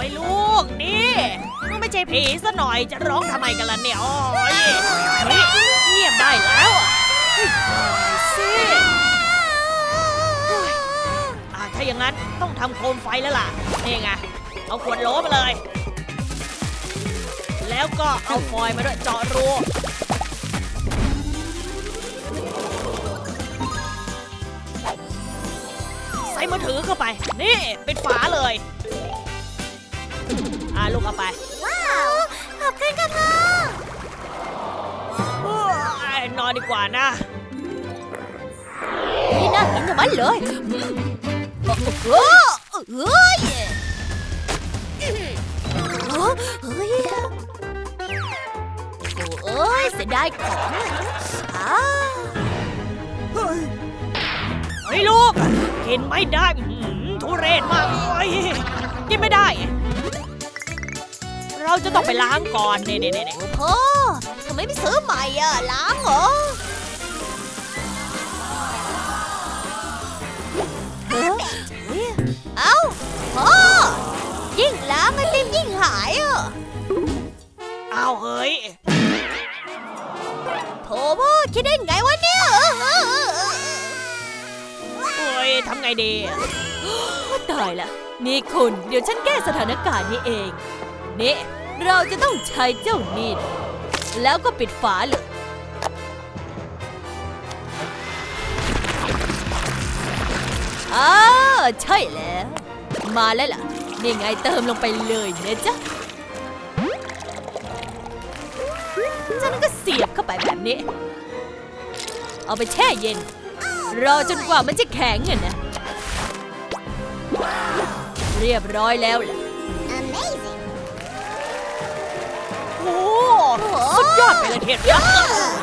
ยลูกนี่ก็ไม่ใช่ผีซะหน่อยจะร้องทำไมกันล่ะเนี่ยโอ้ยเฮ้ยเงียบได้แล้วสิถ้าอย่างนั้นต้องทำโคมไฟแล้วล่ะนี่ไงเอาขวดโหลมาเลยแล้วก็เอาฟอยล์มาด้วยเจาะรูใส่มือถือเข้าไปนี่ปิดฝาเลยลูกเอาไปว้าวขอบคุณค่ะพ่อนอนดีกว่านะนี่น่ากินจังเลยเฮ้ยเสียดายของเฮ้ยลูกกินไม่ได้ทุเรศมากเลยกินไม่ได้เราจะต้องไปล้างก่อนนี่พ่อทำไมไม่ซื้อใหม่ล้างเหรอเอ้าพ่อยิ่งล้างไอติมยิ่งหายอ้าวเฮ้ยโถพ่อคิดได้ไงวะเนี่ยโอ้ยทำไงดีตายละนี่คุณเดี๋ยวฉันแก้สถานการณ์นี้เองนี่เราจะต้องใช้เจ้านี่แล้วก็ปิดฝาเลยใช่แล้วมาแล้วล่ะนี่ไงเติมลงไปเลยนะจ๊ะฉันก็เสียบเข้าไปแบบนี้เอาไปแช่เย็นรอจนกว่ามันจะแข็งนะเรียบร้อยแล้วล่ะ Amazing โอ้สุดยอดไปเลยเทียนยักษ์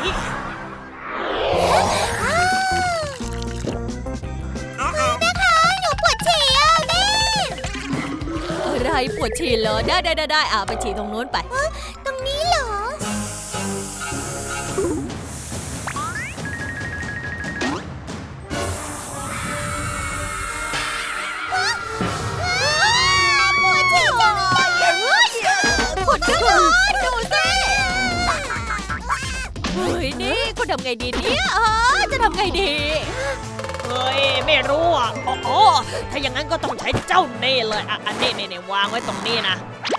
อะไรปวดฉี่เหรอได้ไปฉี่ตรงโน้นไปตรงนี้เหรอปวดฉี่จังเลยปวดจังเลยดูสิเฮ้ยนี่คุณทำไงดีเนี่ยจะทำไงดีเฮ้ยไม่รู้อ๋อถ้าอย่างนั้นก็ต้องใช้เจ้านี่เลยอันนี้วางไว้ตรงนี้นะ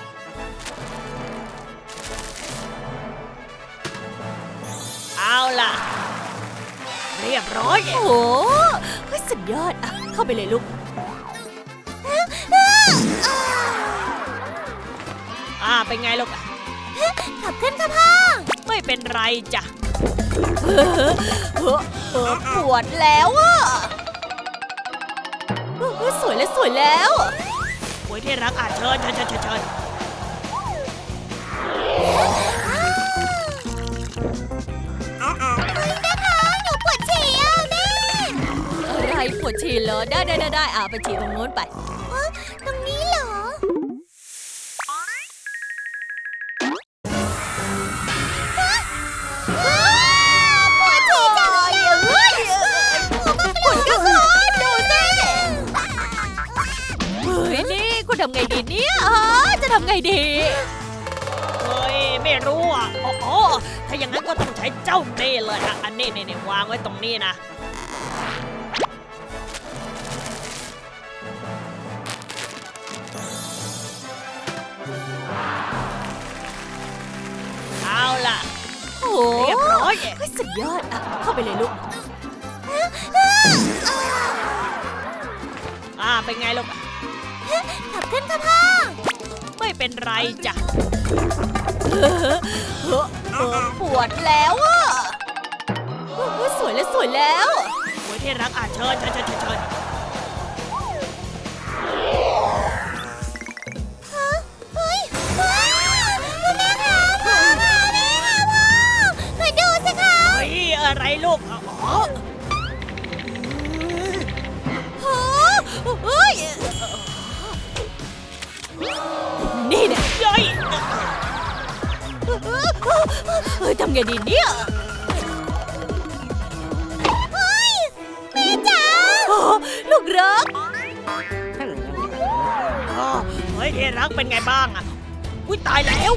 เอาล่ะเรียบร้อยโอ้สุดยอดเข้าไปเลยลูกเป็นไงลูกขับขึ้นค่ะพ่อไม่เป็นไรจ้ะปวดแล้วสวยแล้วโอ้ยที่รักเชิญหนูปวดฉี่แม่อะไรปวดฉี่เหรอได้ไปฉี่ตรงโน้นไปตรงนี้เหรอทำไงดีเนี่ยจะทำไงดีเฮ้ยไม่รู้อ๋อถ้าอย่างนั้นก็ต้องใช้เจ้าเน่เลยอันนี้วางไว้ตรงนี้นะเอาล่ะเรียบร้อยสุดยอดเข้าไปเลยลูกเป็นไงลูกขับขึ้นค่ะพ่อไม่เป็นไรจ้ะปวดแล้วสวยแล้วโอ้ยที่รักเชิญแม่คะพ่อช่วยดูสิคะเฮ้ยอะไรลูกนี่เนี่ยย่อยทำไงดีเนี่ยแม่จ๋าลูกรักเฮ้ฮ้ยที่รักเป็นไงบ้างอ่ะอุ้ยตายแล้ว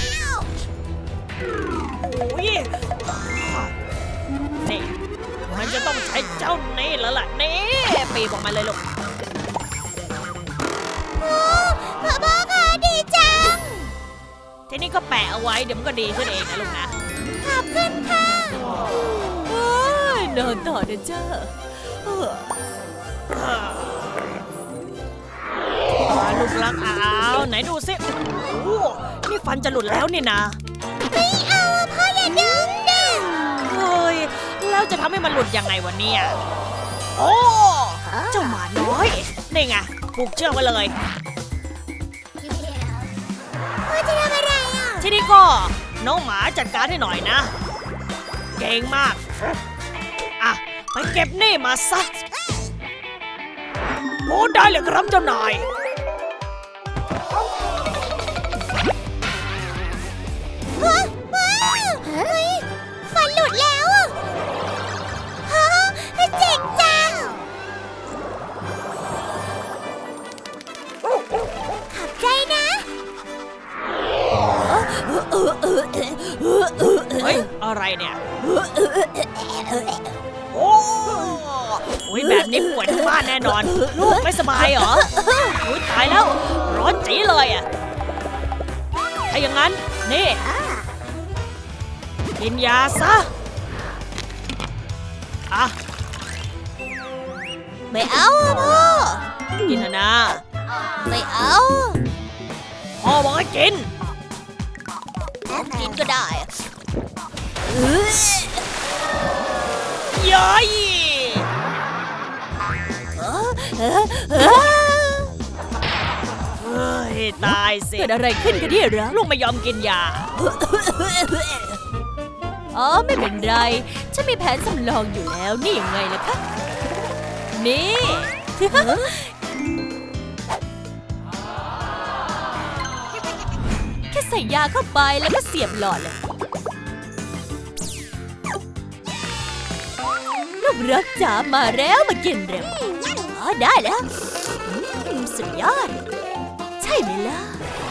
โอ้ยนี่มันจะต้องใช้เจ้านี่แล้วล่ะนี่ปีบออกมาเลยลูกพ่อค่ะดีจังทีนี้ก็แปะเอาไว้เดี๋ยวมันก็ดีขึ้นเองนะลูกนะขอบคุณค่ะโอ้ยนอนต่อนะจ้าเออลูกรักอ้าวไหนดูสิโอ้นี่ฟันจะหลุดแล้วนี่นะไม่เอาพ่ออย่าดึงดิเฮ้ยแล้วจะทำให้มันหลุดยังไงวะเนี่ยโอ้เจ้าหมาน้อยนี่ไงผูกเชือกไว้เลยพ่อจะทำอะไรอ่ะทีนี้ก็น้องหมาจัดการให้หน่อยนะ เก่งมากอ่ะไปเก็บนี่มาซะโอ้ได้เลยครับเจ้านายเฮ้ยฟันหลุดแล้วอ่ะฮะเจ๋งจังขอบใจนะเฮ้ยอะไรเนี่ยโอ้โอ้ยแบบนี้ป่วยทั้งบ้านแน่นอน ลูกไม่สบายเหรออุ้ยตายแล้วร้อนจีเลยอ่ะถ้าอย่างนั้นนี่กินยาซะอ่ะไม่เอาอะพ่อกินเถอะนะไม่เอาพ่อบอกให้กินกินก็ได้อะย้อยเฮ้ยตายสิเกิดอะไรขึ้นกันเนี่ยรักลูกไม่ยอมกินยาอ๋อไม่เป็นไร ฉันมีแผนสำรองอยู่แล้วนี่ยังไงล่ะคะนี่ แค่ใส่ยาเข้าไปแล้วก็เสียบหลอดเลยลูกรักจ๋ามาแล้วมากินเร็วอ๋อได้แล้วสุดยอด ใช่ไหมล่ะ